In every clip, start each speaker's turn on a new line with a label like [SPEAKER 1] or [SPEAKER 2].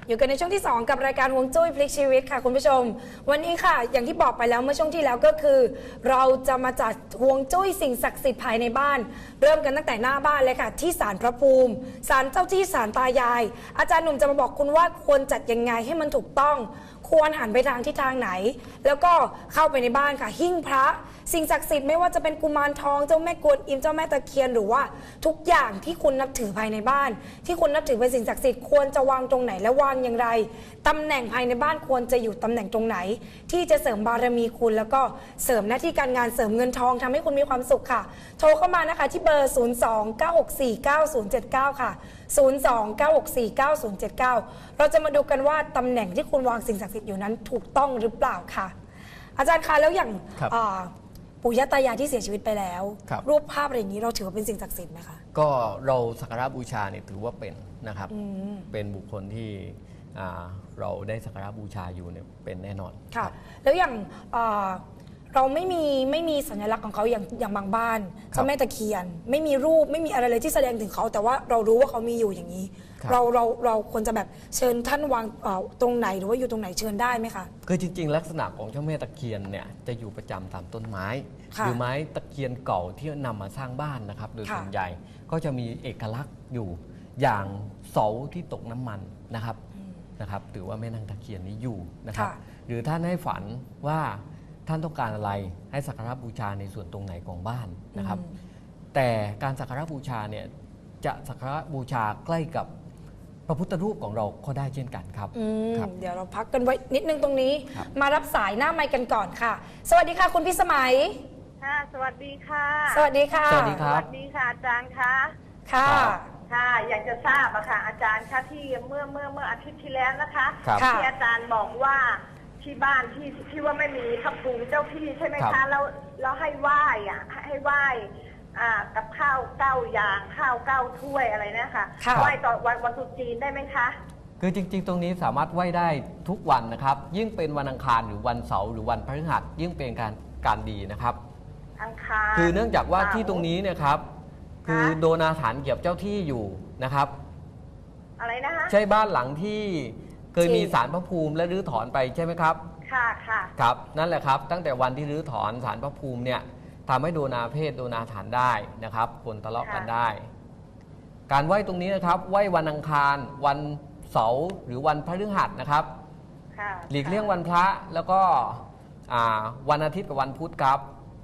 [SPEAKER 1] อยู่กันในช่วงที่2กับรายการฮวงจุ้ยพลิกชีวิตค่ะคุณผู้ชมวันนี้ค่ะอย่างที่บอกไปแล้วเมื่อช่วงที่แล้วก็คือ เราจะมาจัดฮวงจุ้ยสิ่งศักดิ์สิทธิ์ภายในบ้านเริ่มกันตั้งแต่หน้าบ้านเลยค่ะที่ศาลพระภูมิศาลเจ้าที่ศาลตายายอาจารย์หนุ่มจะมาบอกคุณว่าควรจัดยังไงให้มันถูกต้องควรหันไปทางทิศทางไหนแล้วก็เข้าไปในบ้านค่ะหิ้งพระสิ่งศักดิ์สิทธิ์ไม่ว่าจะเป็นกุมารทองเจ้าแม่กวนอิมเจ้าแม่ตะเคียนหรือว่าทุกอย่างที่คุณนับถือภายในบ้านที่คุณนับถือเป็นสิ่งศักดิ์สิทธิ์ควรจะวางตรงไหนและวางอย่างไรตำแหน่งภายในบ้านควรจะอยู่ตำแหน่งตรงไหนที่จะเสริมบารมีคุณแล้วก็เสริมหน้าที่การงานเสริมเงินทองทำให้คุณมีความสุขค่ะโทรเข้ามานะคะที่เบอร์ 029649079 ค่ะ 029649079 เราจะมาดูกันว่าตำแหน่งที่คุณวางสิ่งศักดิ์สิทธิ์อยู่นั้นถูกต้องหรือเปล่าค่ะอาจารย์คะแล้วอย่างปู่ย่าตายายที่เสียชีวิตไปแล้วรูปภาพอะไรอย่างนี้เราถือว่าเป็นสิ่งศักดิ์สิทธิ์ไหมคะ
[SPEAKER 2] ก็เราสักการะบูชาเนี่ยถือว่าเป็นนะครับเป็นบุคคลที่เราได้สักการะบูชาอยู่เนี่ยเป็นแน่นอน
[SPEAKER 1] ค่ะแล้วอย่างเราไม่มีสัญลักษณ์ของเขาอย่างบางบ้านเจ้าแม่ตะเคียนไม่มีรูปไม่มีอะไรเลยที่แสดงถึงเขาแต่ว่าเรารู้ว่าเขามีอยู่อย่างนี้เราควรจะแบบเชิญท่านวางตรงไหนหรือว่าอยู่ตรงไหนเชิญได้ไหมคะ
[SPEAKER 2] คือจริงๆลักษณะของเจ้าแม่ตะเคียนเนี่ยจะอยู่ประจำตามต้นไม้หรือไม้ตะเคียนเก่าที่นำมาสร้างบ้านนะครับโดยส่วนใหญ่ก็จะมีเอกลักษณ์อยู่อย่างเสาที่ตกน้ำมันนะครับถือว่าแม่นางตะเคียนนี้อยู่นะครับหรือท่านให้ฝันว่าท่านต้องการอะไรให้สักการะบูชาในส่วนตรงไหนของบ้านนะครับแต่การสักการะบูชาเนี่ยจะสักการะบูชาใกล้กับพระพุทธรูปของเราก็ได้เช่นกันครับ
[SPEAKER 1] เดี๋ยวเราพักกันไว้นิดนึงตรงนี้มารับสายหน้าไมค์กันก่อนค่ะสวัสดีค่ะคุณพิสมัย
[SPEAKER 3] ค่ะสวัสดีค่ะ
[SPEAKER 1] สวัสดีค่ะ
[SPEAKER 2] สวัสดีครับ
[SPEAKER 3] สวัสดีค่ะอาจารย์คะ
[SPEAKER 1] ค่ะ
[SPEAKER 3] ค่ะอยากจะทราบอะค่ะอาจารย์คะที่เมื่ออาทิตย์ที่แล้วนะคะที่อาจารย์บอกว่าที่บ้านที่ว่าไม่มีพระภูมิเจ้าที่ใช่ไหมคะแล้วให้ไหว้อะให้ไหว้กับข้าว9 อย่างข้าว9 ถ้วยอะไรนะคะไหว้ต่อวันตรุษจีนได้ไหมคะ
[SPEAKER 2] คือจริงๆตรงนี้สามารถไหว้ได้ทุกวันนะครับยิ่งเป็นวันอังคารหรือวันเสาร์หรือวันพฤหัสยิ่งเป็นการดีนะครับ
[SPEAKER 3] อังคาร
[SPEAKER 2] คือเนื่องจากว่าที่ตรงนี้เนี่ยครับคือโดนอาถรรพ์เกี่ยวเจ้าที่อยู่นะครับ
[SPEAKER 3] อะไรนะคะ
[SPEAKER 2] ใช่บ้านหลังที่เคยมีศาลพระภูมิและรื้อถอนไปใช่ไหมครับ
[SPEAKER 3] ค่ะ
[SPEAKER 2] ครับนั่นแหละครับตั้งแต่วันที่รื้อถอนศาลพระภูมิเนี่ยทำให้โดนอาเพศโดนอาถรรพ์ได้นะครับคนทะเลาะกันได้การไหว้ตรงนี้นะครับไหว้วันอังคารวันเสาร์หรือวันพฤหัสนะครับหลีกเลี่ยงวันพระแล้วก็วันอาทิตย์กับวันพุธครับ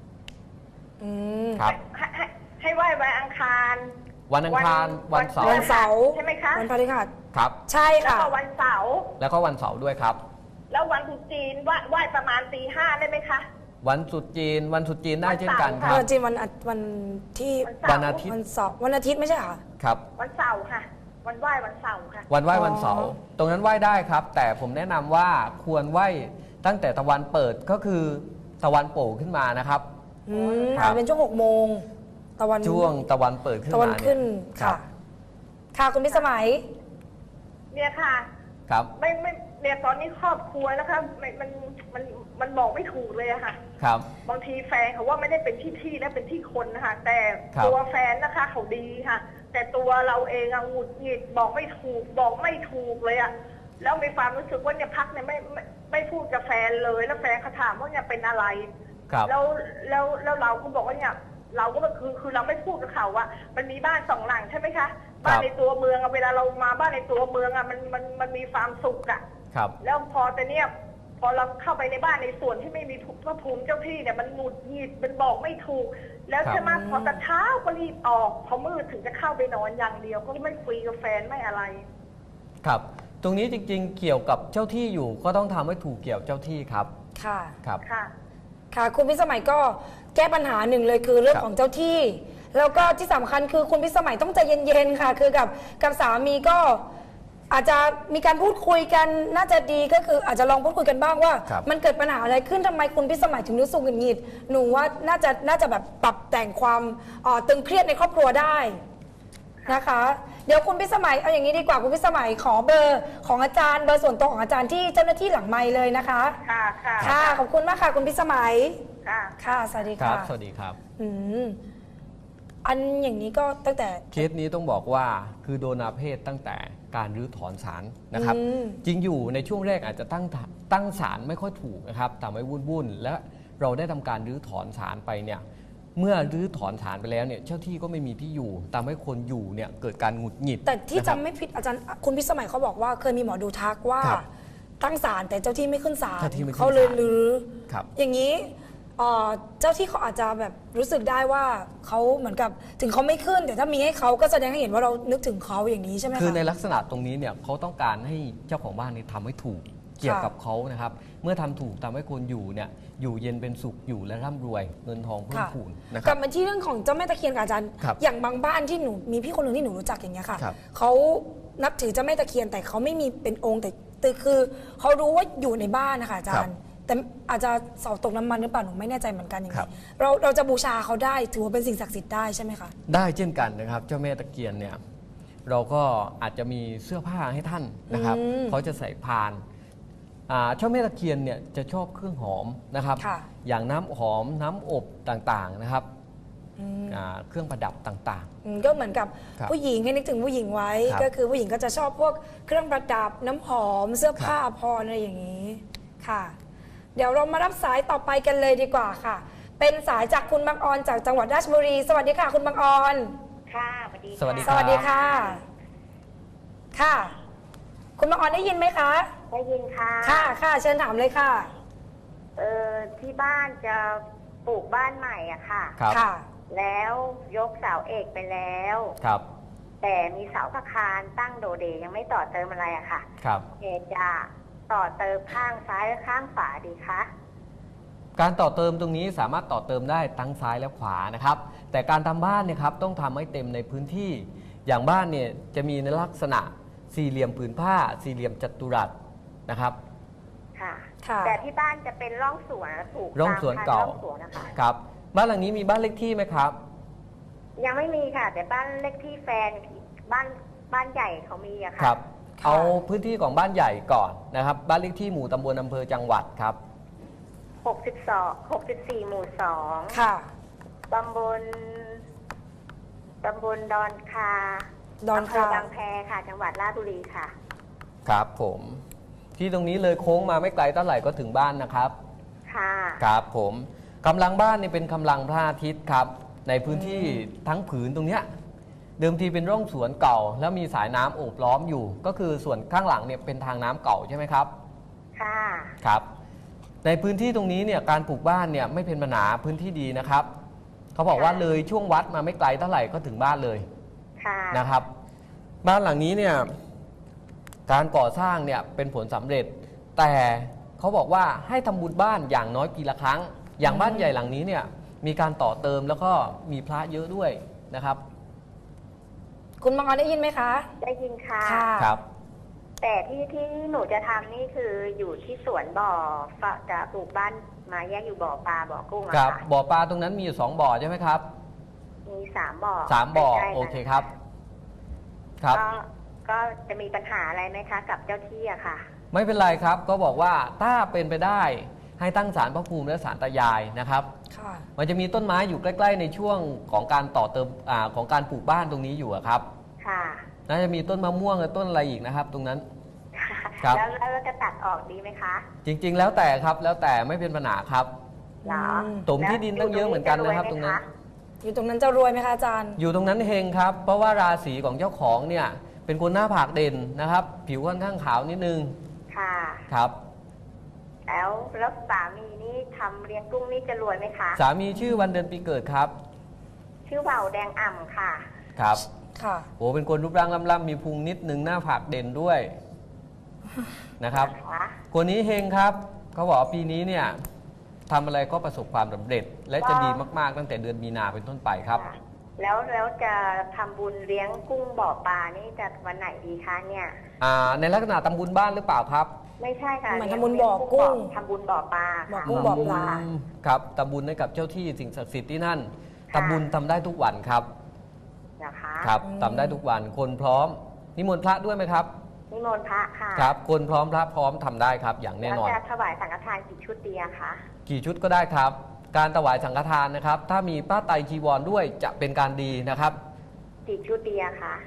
[SPEAKER 3] ครับให้ไหว้วันอังคาร
[SPEAKER 2] วันอังคารวันเสา
[SPEAKER 1] ร์
[SPEAKER 3] ใช่ไหมคะ
[SPEAKER 1] วันพฤหัส
[SPEAKER 2] ครับ
[SPEAKER 1] ใช่ค่ะ
[SPEAKER 3] แล้วก็วันเสาร์
[SPEAKER 2] แล้วก็วันเสาร์ด้วยครับ
[SPEAKER 3] แล้ววันตรุษจีนไหว้ประมาณตี 5ได้ไหมคะ
[SPEAKER 2] วันตรุษจีนได้เช่นกันครับ
[SPEAKER 1] วันจีนวันที่
[SPEAKER 2] วันอาทิตย์
[SPEAKER 1] วันอาทิตย์ไม่ใช่เหรอ
[SPEAKER 2] ครับ
[SPEAKER 3] วันเสาร์ค่ะวันไหว้วันเสาร์ค่ะ
[SPEAKER 2] วันไหว้วันเสาร์ตรงนั้นไหว้ได้ครับแต่ผมแนะนำว่าควรไหว้ตั้งแต่ตะวันเปิดก็คือตะวันโผล่ขึ้นมานะครับ
[SPEAKER 1] เป็นช่วง6 โมง
[SPEAKER 2] ช่วงตะวันเปิดขึ้นมา
[SPEAKER 1] ค่ะค่ะคุณพิสมัย
[SPEAKER 3] เนี่ยค่ะ
[SPEAKER 2] ครับ
[SPEAKER 3] ไม่เนี่ยตอนนี้ครอบครัวนะคะมันบอกไม่ถูกเลยอะค่ะ
[SPEAKER 2] ครับ
[SPEAKER 3] บางทีแฟนเขาว่าไม่ได้เป็นที่และเป็นที่คนนะคะแต่ตัวแฟนนะคะเขาดีค่ะแต่ตัวเราเองอะหงุดหงิดบอกไม่ถูกเลยอะแล้วมีความรู้สึกว่าเนี่ยพักเนี่ยไม่พูดกับแฟนเลยแล้วแฟนเขาถามว่าเนี่ยเป็นอะไรแล้วเราก็บอกว่าเนี่ยเราก็คือเราไม่พูดกับเขาว่ามันมีบ้าน2 หลังใช่ไหมคะบ้านในตัวเมืองเวลาเรามาบ้านในตัวเมืองมันมีความสุขแล้วพอแต่เนี่ยพอเราเข้าไปในบ้านในส่วนที่ไม่มีพระภูมิเจ้าที่เนี่ยมันหงุดหงิดมันบอกไม่ถูกแล้วใช่ไหมพอตอนเช้าก็รีบออกพอมืดถึงจะเข้าไปนอนอย่างเดียวก็ไม่คุยกับแฟนไม่อะไร
[SPEAKER 2] ครับตรงนี้จริงๆเกี่ยวกับเจ้าที่อยู่ก็ต้องทำให้ถูกเกี่ยวเจ้าที่ครับ
[SPEAKER 1] ครับ
[SPEAKER 3] ค่ะ
[SPEAKER 1] คุณพิสมัยก็แก้ปัญหาหนึ่งเลยคือเรื่องของเจ้าที่แล้วก็ที่สำคัญคือคุณพิสมัยต้องใจเย็นๆค่ะคือกับสามีก็อาจจะมีการพูดคุยกันน่าจะดีก็คืออาจจะลองพูดคุยกันบ้างว่ามันเกิดปัญหาอะไรขึ้นทำไมคุณพิสมัยถึงรู้สึกหงุดหงิดหนูว่าน่าจะแบบปรับแต่งความตึงเครียดในครอบครัวได้นะคะเดี๋ยวคุณพิสมัยเอาอย่างนี้ดีกว่าคุณพิสมัยขอเบอร์ของอาจารย์เบอร์ส่วนตัวของอาจารย์ที่เจ้าหน้าที่หลังไมค์เลยนะคะ
[SPEAKER 3] ค่ะ
[SPEAKER 1] ขอบคุณมากค่ะคุณพิสมัย
[SPEAKER 3] ค่ะ
[SPEAKER 1] สวัสดีค่ะ
[SPEAKER 2] สวัสดีครับ
[SPEAKER 1] อันอย่างนี้ก็ตั้งแต่
[SPEAKER 2] เคสนี้ต้องบอกว่าคือโดนอาเพศตั้งแต่การรื้อถอนศาลนะครับจริงอยู่ในช่วงแรกอาจจะตั้งศาลไม่ค่อยถูกนะครับทำให้วุ่นๆและเราได้ทำการรื้อถอนศาลไปเนี่ยเมื่อรื้อถอนศาลไปแล้วเนี่ยเจ้าที่ก็ไม่มีที่อยู่ทำให้คนอยู่เนี่ยเกิดการหงุดหงิด
[SPEAKER 1] แต่ที่
[SPEAKER 2] นะครับ
[SPEAKER 1] จำไม่ผิดอาจารย์คุณพิสมัยเขาบอกว่าเคยมีหมอดูทักว่า
[SPEAKER 2] ครับ
[SPEAKER 1] ตั้งศาลแต่เจ้าที่ไม่ขึ้นศาล
[SPEAKER 2] เจ้าที่ไม่ขึ้น
[SPEAKER 1] เขาเลย
[SPEAKER 2] ศาล
[SPEAKER 1] รื้อ
[SPEAKER 2] ครับ
[SPEAKER 1] อย่างนี้เจ้าที่เขาอาจจะแบบรู้สึกได้ว่าเขาเหมือนกับถึงเขาไม่ขึ้นแต่ถ้ามีให้เขาก็แสดงให้เห็นว่าเรานึกถึงเขาอย่างนี้ใช่ไหมคะ
[SPEAKER 2] คือในลักษณะตรงนี้เนี่ยเขาต้องการให้เจ้าของบ้านนี่ทำให้ถูกเกี่ยวกับเขานะครับเมื่อทำถูกทำให้คนอยู่เนี่ยอยู่เย็นเป็นสุขอยู่และร่ำรวยเงินทองเพิ่มพูนนะค
[SPEAKER 1] ก
[SPEAKER 2] รั
[SPEAKER 1] ลั
[SPEAKER 2] บบ
[SPEAKER 1] มาที่เรื่องของเจ้าแม่ตะเคียนกับอาจารย์
[SPEAKER 2] ครับ
[SPEAKER 1] อย่างบางบ้านที่หนูมีพี่คนหนึ่งที่หนูรู้จักอย่างเงี้ยค่ะ
[SPEAKER 2] ครับ
[SPEAKER 1] เขานับถือเจ้าแม่ตะเคียนแต่เขาไม่มีเป็นองค์แต่คือเขารู้ว่าอยู่ในบ้านนะคะอาจารย์ แต่อาจจะเสาตกน้ำมันหรือเปล่าหนูไม่แน่ใจเหมือนกันอย่าง
[SPEAKER 2] ครั
[SPEAKER 1] นี้
[SPEAKER 2] บ
[SPEAKER 1] เราจะบูชาเขาได้ถือว่าเป็นสิ่งศักดิ์สิทธิ์ได้ใช่ไหมคะ
[SPEAKER 2] ได้เช่นกันนะครับเจ้าแม่ตะเคียนเนี่ยเราก็อาจจะมีเสื้อผ้าให้ท่านนะครับเขาจะใส่พานเจ้าแม่ตะเคียนเนี่ยจะชอบเครื่องหอมนะครับ
[SPEAKER 1] ค่ะ
[SPEAKER 2] อย่างน้ำหอมน้ำอบต่างๆนะครับเครื่องประดับต่าง
[SPEAKER 1] ก็เหมือนกับ
[SPEAKER 2] ครับ
[SPEAKER 1] ผู้หญิงให้นึกถึงผู้หญิงไว้
[SPEAKER 2] ครับ
[SPEAKER 1] ก็คือผู้หญิงก็จะชอบพวกเครื่องประดับน้ำหอมเสื้อผ้าพรอะไรอย่างนี้ค่ะ เดี๋ยวเรามารับสายต่อไปกันเลยดีกว่าค่ะ เป็นสายจากคุณบางออนจากจังหวัดราชบุรี สวัสดีค่ะ คุณบางออน
[SPEAKER 3] ค่ะสวัสดี
[SPEAKER 2] สวัสดี
[SPEAKER 1] สวัสดีค่ะ ค่ะ คุณบางออนได้ยินไหมคะ
[SPEAKER 3] ได้ยินค่ะ
[SPEAKER 1] ค่ะเชิญถามเลยค่ะ
[SPEAKER 3] ที่บ้านจะปลูกบ้านใหม่อะค่ะ
[SPEAKER 2] ๆครับ
[SPEAKER 1] ค่ะ
[SPEAKER 3] แล้วยกเสาเอกไปแล้ว
[SPEAKER 2] ครับ
[SPEAKER 3] แต่มีเสาอาคารตั้งโดเดยังไม่ต่อเติมอะไรอะค่ะ
[SPEAKER 2] ครับ
[SPEAKER 3] จะต่อเติมข้างซ้ายและข้างขวาดีคะ
[SPEAKER 2] การต่อเติมตรงนี้สามารถต่อเติมได้ทั้งซ้ายและขวานะครับแต่การทำบ้านเนี่ยครับต้องทำให้เต็มในพื้นที่อย่างบ้านเนี่ยจะมีในลักษณะสี่เหลี่ยมผืนผ้าสี่เหลี่ยมจัตุรัสนะครับ
[SPEAKER 3] ค่ะ
[SPEAKER 1] ค่ะ
[SPEAKER 3] แต่ที่บ้านจะเป็นร่องสวนปลูก
[SPEAKER 2] ร่องสวนเก่า
[SPEAKER 3] ตมพันธุ์ร่องสวนนะคะ
[SPEAKER 2] ครับบ้านหลังนี้มีบ้านเลขที่ไหมครับ
[SPEAKER 3] ยังไม่มีค่ะ แต่บ้านเลขที่แฟนบ้านใหญ่เขามีอะ
[SPEAKER 2] ค
[SPEAKER 3] ค่ะ
[SPEAKER 2] รับเอาพื้นที่ของบ้านใหญ่ก่อนนะครับบ้านเลขที่หมู่ตำบลอำเภอจังหวัดครับ
[SPEAKER 3] 64 หมู่ 2
[SPEAKER 1] ค่ะ
[SPEAKER 3] ตำบลดอนคา
[SPEAKER 1] ดอนคา
[SPEAKER 3] ำเภอบางแพค่ะ จังหวัดราชบุรีค่ะ
[SPEAKER 2] ครับผมที่ตรงนี้เลยโค้งมาไม่ไกลเท่าไหร่ก็ถึงบ้านนะครับ
[SPEAKER 3] ค่ะ
[SPEAKER 2] ครับผมกำลังบ้านนี่เป็นกำลังพระอาทิตย์ครับในพื้นที่ทั้งผืนตรงเนี้ยเดิมทีเป็นร่องสวนเก่า แล้วมีสายน้ำโอบล้อมอยู่ ก็คือส่วนข้างหลังเนี่ยเป็นทางน้ำเก่าใช่ไหมครับ
[SPEAKER 3] ค่ะ
[SPEAKER 2] ครับในพื้นที่ตรงนี้เนี่ยการปลูกบ้านเนี่ยไม่เป็นปัญหาพื้นที่ดีนะครับเขาบอกว่าเลยช่วงวัดมาไม่ไกลเท่าไหร่ก็ถึงบ้านเลย
[SPEAKER 3] ค่ะ
[SPEAKER 2] นะครับ บ้านหลังนี้เนี่ยการก่อสร้างเนี่ยเป็นผลสำเร็จ แต่เขาบอกว่าให้ทำบุญบ้านอย่างน้อยปีละครั้ง อย่างบ้านใหญ่หลังนี้เนี่ยมีการต่อเติมแล้วก็มีพระเยอะด้วยนะครับ
[SPEAKER 1] คุณบางออนได้ยินไหมคะ
[SPEAKER 3] ได้ยินค่ะ
[SPEAKER 1] ค่ะ
[SPEAKER 2] ครับ
[SPEAKER 3] แต่ที่หนูจะทำนี่คืออยู่ที่สวนบ่อจะปลูกบ้านมาแยกอยู่บ่อปลาบ่อกุ้งอะ
[SPEAKER 2] ครับ
[SPEAKER 3] ค่ะ
[SPEAKER 2] บ่อปลาตรงนั้นมีอยู่2บ่อใช่ไหมครับ
[SPEAKER 3] มี3 บ่อ
[SPEAKER 2] 3 บ่อ
[SPEAKER 3] ใกล้ๆกัน
[SPEAKER 2] โอเคครับครับ
[SPEAKER 3] ก็จะมีปัญหาอะไรไหมคะ กับเจ้าที่อะค่ะ
[SPEAKER 2] ไม่เป็นไรครับก็บอกว่าถ้าเป็นไปได้ให้ตั้งศาลพระภูมิและศาลตายายนะครับ
[SPEAKER 1] ค่ะ
[SPEAKER 2] มันจะมีต้นไม้อยู่ใกล้ๆในช่วงของการต่อเติมของการปลูกบ้านตรงนี้อยู่อะครับ
[SPEAKER 3] ค่ะ
[SPEAKER 2] น่าจะมีต้นมะม่วงและต้นอะไรอีกนะครับ ตรงนั้น ครับ
[SPEAKER 3] แล้วจะตัดออกดีไหมคะ
[SPEAKER 2] จริงๆ แล้วแต่ครับแล้วแต่ไม่เป็นปัญหาครับ
[SPEAKER 3] เหรอ
[SPEAKER 2] ถมที่ดินตั้งเยอะเหมือนกันนะครับตรงนั้น
[SPEAKER 1] อยู่ตรงนั้นจะรวยไหมคะอาจารย์
[SPEAKER 2] อยู่ตรงนั้นเฮงครับ เพราะว่าราศีของเจ้าของเนี่ยเป็นคนหน้าผากเด่นนะครับ ผิวค่อนข้างขาวนิดนึง
[SPEAKER 3] ค่ะ
[SPEAKER 2] ครับ
[SPEAKER 3] แล้วสามีนี่ทำเลี้ยงกุ้งนี่จะรวยไหมคะ
[SPEAKER 2] สามีชื่อวันเดือนปีเกิดครับ
[SPEAKER 3] ชื่อเบาแดงอ่ำค่ะ
[SPEAKER 2] ครับ
[SPEAKER 1] ค่ะ
[SPEAKER 2] โอ้เป็นคนรูปร่างล่ำๆมีพุงนิดนึงหน้าผากเด่นด้วยนะครับ
[SPEAKER 3] นะคะ
[SPEAKER 2] คนนี้เฮงครับเขาบอกว่าปีนี้เนี่ยทำอะไรก็ประสบความสำเร็จ และจะดีมากๆตั้งแต่เดือนมีนาเป็นต้นไปครับ
[SPEAKER 3] ค่ะแล้วจะทำบุญเลี้ยงกุ้งบ่อปลานี่จะวันไหนดีคะเนี่ย
[SPEAKER 2] ในลักษณะตำบุญบ้านหรือเปล่าครับ
[SPEAKER 3] ไม่ใช่ค่ะ
[SPEAKER 1] เหมือน
[SPEAKER 3] เลี้ย
[SPEAKER 1] ทำบุญบ่อกุ้ง
[SPEAKER 3] ทำบุญบ่อปลา
[SPEAKER 1] บ่อ
[SPEAKER 3] ค่ะ
[SPEAKER 1] กุ้งบ่อปลา
[SPEAKER 2] ครับตำบุญให้กับเจ้าที่สิ่งศักดิ์สิทธิ์ที่นั่น
[SPEAKER 3] ค่ะ
[SPEAKER 2] ทำบุญทำได้ทุกวันครับ
[SPEAKER 3] นะคะ
[SPEAKER 2] ครับทำได้ทุกวันคนพร้อมนิมนต์พระด้วยไหมครับ
[SPEAKER 3] นิมนต์พระค่ะ
[SPEAKER 2] ครับคนพร้อมพระพร้อมทำได้ครับอย่างแน่นอน
[SPEAKER 3] แล้วจะถวายสังฆทานกี่ชุดดีอะคะ
[SPEAKER 2] กี่ชุดก็ได้ครับ การถวายสังฆทานนะครับ ถ้ามีผ้าไตรจีวรด้วยจะเป็นการดีนะครับ
[SPEAKER 3] กี่ชุดดีอะคะ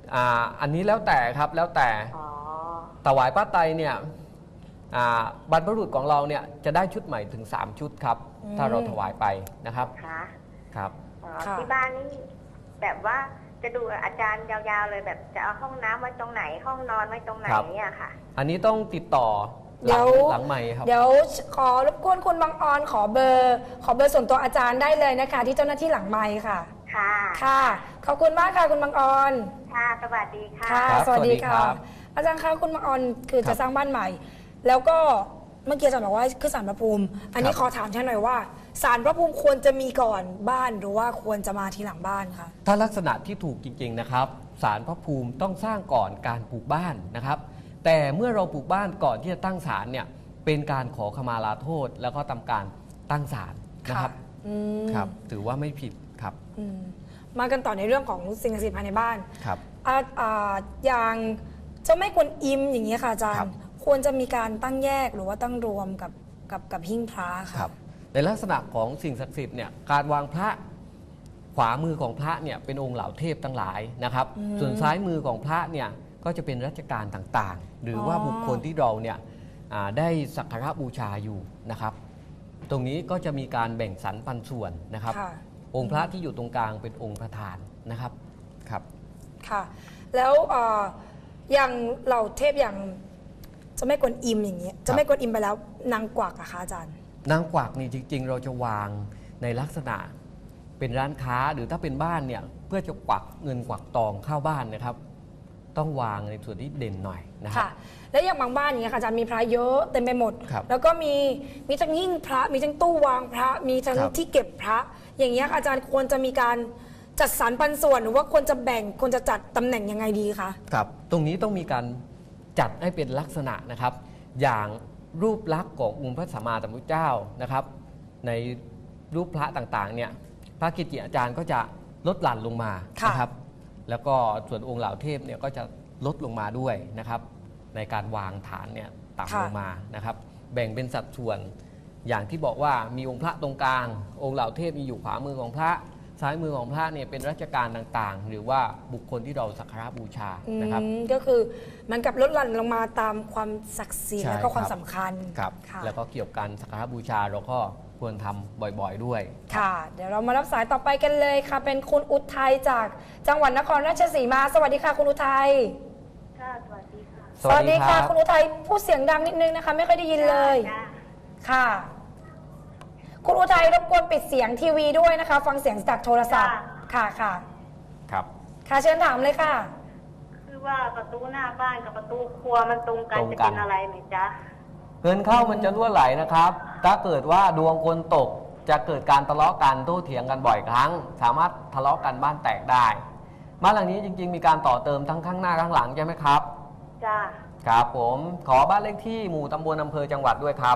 [SPEAKER 2] อันนี้แล้วแต่ครับแล้วแต่
[SPEAKER 3] อ๋อ
[SPEAKER 2] ถวายผ้าไตรเนี่ยบรรพบุรุษของเราเนี่ยจะได้ชุดใหม่ถึง 3 ชุดครับ ถ้าเราถวายไปนะครับ
[SPEAKER 3] ค่ะ
[SPEAKER 2] ครับ
[SPEAKER 3] อ๋อ
[SPEAKER 1] ค่ะ
[SPEAKER 3] ที่บ้านนี่แบบว่าจะดูอาจารย์ยาวๆเลยแบบจะเอาห้องน้ำไว้ตรงไหนห้องนอนไว้ตรงไหน
[SPEAKER 2] ครับ
[SPEAKER 3] เนี่ยค่ะ
[SPEAKER 2] อันนี้ต้องติดต่อห
[SPEAKER 1] เดี๋ยว
[SPEAKER 2] ลังไมค์ครับ
[SPEAKER 1] เดี๋ยวขอรบกวนคุณบางออนขอเบอร์ส่วนตัวอาจารย์ได้เลยนะคะ ที่เจ้าหน้าที่หลังไมค์ค่ะ
[SPEAKER 3] ค่ะ
[SPEAKER 1] ค่ะขอบคุณมากค่ะคุณบางออน
[SPEAKER 3] ค่ะ สวัสดีค่ะ
[SPEAKER 1] ค่ะ
[SPEAKER 2] ครับ
[SPEAKER 1] สวัสดี
[SPEAKER 2] สวัสดีครั
[SPEAKER 1] ค่ะ
[SPEAKER 2] บ
[SPEAKER 1] อาจารย์คะคุณบางออนคือ
[SPEAKER 2] ครั
[SPEAKER 1] จะ
[SPEAKER 2] บ
[SPEAKER 1] สร้างบ้านใหม่ แล้วก็เมื่อกี้อาจารย์บอกว่าคือศาลพระภูมิ อันนี้
[SPEAKER 2] ครับ
[SPEAKER 1] ขอถามท่านหน่อยว่าศาลพระภูมิควรจะมีก่อนบ้านหรือว่าควรจะมาทีหลังบ้านคะ
[SPEAKER 2] ถ้าลักษณะที่ถูกจริงๆนะครับศาลพระภูมิต้องสร้างก่อนการปลูกบ้านนะครับ แต่เมื่อเราปลูกบ้านก่อนที่จะตั้งศาลเนี่ยเป็นการขอขมาลาโทษ แล้วก็ทำการตั้งศาลนะครับ
[SPEAKER 1] อืม
[SPEAKER 2] ครับถือว่าไม่ผิดครับ
[SPEAKER 1] อืมมากันต่อในเรื่องของสิ่งศักดิ์สิทธิ์ภายในบ้าน
[SPEAKER 2] ครับ
[SPEAKER 1] อย่างเจ้าแม่กวนอิมอย่างนี้ยค่ะอาจาร
[SPEAKER 2] ครั
[SPEAKER 1] ย์
[SPEAKER 2] บ
[SPEAKER 1] ควรจะมีการตั้งแยกหรือว่าตั้งรวมกับหิ้งพระค่ะ
[SPEAKER 2] ครับในลักษณะของสิ่งศักดิ์สิทธิ์เนี่ยการวางพระขวามือของพระเนี่ยเป็นองค์เหล่าเทพทั้งหลายนะครับ ส่วนซ้ายมือของพระเนี่ยก็จะเป็นราชการต่างๆ หรือว่าบุคคลที่เราเนี่ยได้สักการะบูชาอยู่นะครับ ตรงนี้ก็จะมีการแบ่งสรรปันส่วนนะครับ
[SPEAKER 1] ค่ะ
[SPEAKER 2] องค์พระที่อยู่ตรงกลางเป็นองค์ประธานนะครับครับ
[SPEAKER 1] ค่ะ แล้วอย่างเหล่าเทพอย่างเจ้าแม่กวนอิมอย่างเงี้ยเจ้าแม่กวนอิมไปแล้วนางกวักอะคะอาจารย์
[SPEAKER 2] นางกวักนี่จริงๆ เราจะวางในลักษณะเป็นร้านค้าหรือถ้าเป็นบ้านเนี่ยเพื่อจะกวักเงินกวักทองเข้าบ้านนะครับ ต้องวางในส่วนที่เด่นหน่อยนะครั
[SPEAKER 1] ค่ะ
[SPEAKER 2] บ
[SPEAKER 1] แล้วอย่างบางบ้านอย่างเงี้ยค่ะอาจารย์มีพระเยอะเต็มไปหมด
[SPEAKER 2] ครับ
[SPEAKER 1] แล้วก็มีทั้งหิ้งพระมีทั้งตู้วางพระมีทั้ง
[SPEAKER 2] ครับ
[SPEAKER 1] ที่เก็บพระ อย่างเงี้ยอาจารย์ควรจะมีการจัดสรรปันส่วนหรือว่าควรจะแบ่งควรจะจัดตำแหน่งยังไงดีคะ
[SPEAKER 2] ครับตรงนี้ต้องมีการจัดให้เป็นลักษณะนะครับ อย่างรูปลักษณ์ขององค์พระสัมมาสัมพุทธเจ้านะครับ ในรูปพระต่างๆเนี่ยพระกิจอาจารย์ก็จะลดหลั่นลงมา
[SPEAKER 1] ค่ะ
[SPEAKER 2] นะครับ แล้วก็ส่วนองค์เหล่าเทพเนี่ยก็จะลดลงมาด้วยนะครับ ในการวางฐานเนี่ยต่ำลงมานะครับ แบ่งเป็นสัดส่วน อย่างที่บอกว่ามีองค์พระตรงกลาง องค์เหล่าเทพมีอยู่ขวามือของพระ ซ้ายมือของพระเนี่ยเป็นราชการต่างๆ หรือว่าบุคคลที่เราสักการะบูชานะครับ
[SPEAKER 1] ก็คือมันกับลดหลั่นลงมาตามความศักดิ์สิทธิ์
[SPEAKER 2] ใช่
[SPEAKER 1] แล้วก็ความ
[SPEAKER 2] ครับ
[SPEAKER 1] สำคัญ
[SPEAKER 2] ครับ
[SPEAKER 1] ค่ะ
[SPEAKER 2] แล้วก็เกี่ยวกันสักการะบูชาเราก็ควรทำบ่อยๆด้วย
[SPEAKER 1] ค่ะ เดี๋ยวเรามารับสายต่อไปกันเลยค่ะ เป็นคุณอุทัยจากจังหวัดนครราชสีมา สวัสดีค่ะคุณอุทัย
[SPEAKER 3] ค่ะ สวัสดีค่ะ
[SPEAKER 2] สวัสดีครับ
[SPEAKER 1] คุณอุทัยพูดเสียงดังนิดนึงนะคะ ไม่ค่อยได้ยินเลย
[SPEAKER 3] จ้า
[SPEAKER 1] ค่ะ คุณอุทัยรบกวนปิดเสียงทีวีด้วยนะคะ ฟังเสียงจากโทรศัพท์ ค่ะค่ะ
[SPEAKER 2] ครับ
[SPEAKER 1] ค่ะเชิญถามเลยค่ะ
[SPEAKER 3] คือว่าประตูหน้าบ้านกับประตูครัวมันตรงกัน
[SPEAKER 2] ตรง
[SPEAKER 3] จะ
[SPEAKER 2] กัน
[SPEAKER 3] เป็นอะไรไหมจ๊ะ
[SPEAKER 2] เงินเข้ามันจะรั่วไหลนะครับ ถ้าเกิดว่าดวงคนตกจะเกิดการทะเลาะกันโต้เถียงกันบ่อยครั้ง สามารถทะเลาะกันบ้านแตกได้บ้านหลังนี้จริง ๆ มีการต่อเติมทั้งข้างหน้าข้างหลังใช่ไหมครับ
[SPEAKER 3] จ้า
[SPEAKER 2] ครับผมขอบ้านเลขที่หมู่ตำบลอำเภอจังหวัดด้วยครับ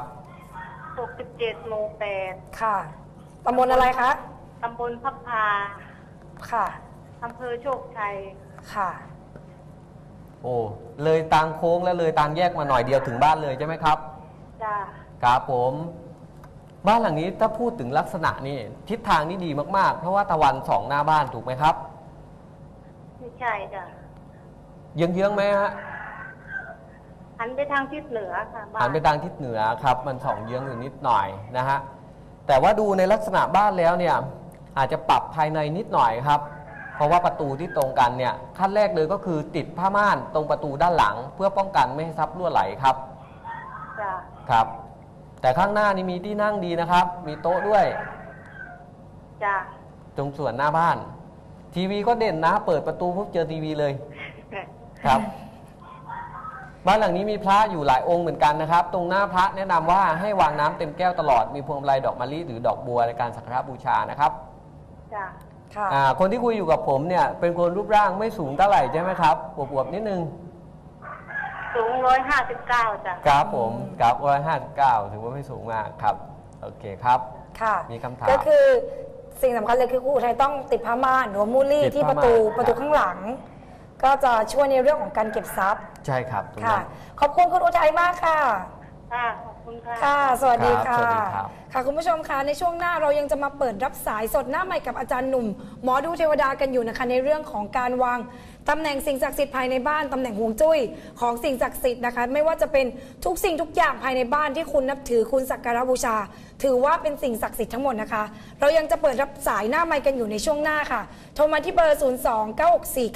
[SPEAKER 3] 67หมู่8
[SPEAKER 1] ค่ะตำบลอะไรคะ
[SPEAKER 3] ตำบลพับพา
[SPEAKER 1] ค่ะ
[SPEAKER 3] อำเภอโชคชัย
[SPEAKER 1] ค่ะ
[SPEAKER 2] โอ้เลยตางโค้งและเลยตางแยกมาหน่อยเดียวถึงบ้านเลยใช่ไหมครับ
[SPEAKER 3] จ้า
[SPEAKER 2] ครับผมบ้านหลังนี้ถ้าพูดถึงลักษณะนี่ทิศทางนี่ดีมากๆ เพราะว่าตะวันสองหน้าบ้านถูกไหมครับ
[SPEAKER 3] ไม่ใช่จ้ะ
[SPEAKER 2] เยื้องๆไหมฮะ
[SPEAKER 3] หันไปทางทิศเหนือค่ะบ้า
[SPEAKER 2] หันไปทางทิศเหนือครับมันส่องเยื้องอยู่นิดหน่อยนะฮะแต่ว่าดูในลักษณะบ้านแล้วเนี่ยอาจจะปรับภายในนิดหน่อยครับ เพราะว่าประตูที่ตรงกันเนี่ยขั้นแรกเลยก็คือติดผ้าม่านตรงประตูด้านหลัง เพื่อป้องกันไม่ให้ทรัพย์รั่วไหลครับ
[SPEAKER 3] จ้า
[SPEAKER 2] ครับ แต่ข้างหน้านี่มีที่นั่งดีนะครับ มีโต๊ะด้วย
[SPEAKER 3] จ้า
[SPEAKER 2] ตรงส่วนหน้าบ้าน ทีวีก็เด่นนะเปิดประตูปุ๊บเจอทีวีเลยครับ บ้านหลังนี้มีพระอยู่หลายองค์เหมือนกันนะครับ ตรงหน้าพระแนะนำว่าให้วางน้ำเต็มแก้วตลอดมีพวงมาลัยดอกมะลิหรือดอกบัวในการสักการะบูชานะครับ
[SPEAKER 3] จ้า
[SPEAKER 1] ค่ะ
[SPEAKER 2] คนที่คุยอยู่กับผมเนี่ยเป็นคนรูปร่างไม่สูงเท่าไหร่ใช่ไหมครับอวบๆนิดนึง
[SPEAKER 3] สูง159จ้ะ
[SPEAKER 2] ครับผมครับ159ถือว่าไม่สูงมากครับโอเคครับ
[SPEAKER 1] ค่ะ
[SPEAKER 2] มีคำถาม
[SPEAKER 1] ก็คือสิ่งสำคัญเลยคือคุณอุทัยต้องติดผ้าม่านหรือว่ามูลลี่
[SPEAKER 2] ติด
[SPEAKER 1] ที่
[SPEAKER 2] ผ้า
[SPEAKER 1] ประตู
[SPEAKER 2] ม่าน
[SPEAKER 1] ประตูข้างหลัง ก็จะช่วยในเรื่องของการเก็บทรัพย์
[SPEAKER 2] ใช่ครับตรง
[SPEAKER 1] ค่ะ
[SPEAKER 2] นั้น
[SPEAKER 1] ขอบคุณคุณอุทัยมากค่ะ
[SPEAKER 3] ค่ะ ขอบคุณคุณค่ะ
[SPEAKER 1] ค่ะ สวัสดี
[SPEAKER 2] ครั
[SPEAKER 1] ค่ะ
[SPEAKER 2] บสวัสดีครับ
[SPEAKER 1] ค่ะคุณผู้ชมคะในช่วงหน้าเรายังจะมาเปิดรับสายสดหน้าใหม่กับอาจารย์หนุ่ม หมอดูเทวดากันอยู่นะคะในเรื่องของการวางตำแหน่งสิ่งศักดิ์สิทธิ์ภายในบ้านตำแหน่งฮวงจุ้ยของสิ่งศักดิ์สิทธิ์นะคะไม่ว่าจะเป็นทุกสิ่งทุกอย่างภายในบ้านที่คุณนับถือคุณสักการะบูชา ถือว่าเป็นสิ่งศักดิ์สิทธิ์ทั้งหมดนะคะ เรายังจะเปิดรับสายหน้าไมค์กันอยู่ในช่วงหน้าค่ะโทรมาที่เบอร์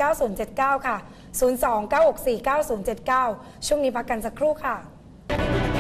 [SPEAKER 1] 029649079 ค่ะ 029649079 ช่วงนี้พักกันสักครู่ค่ะ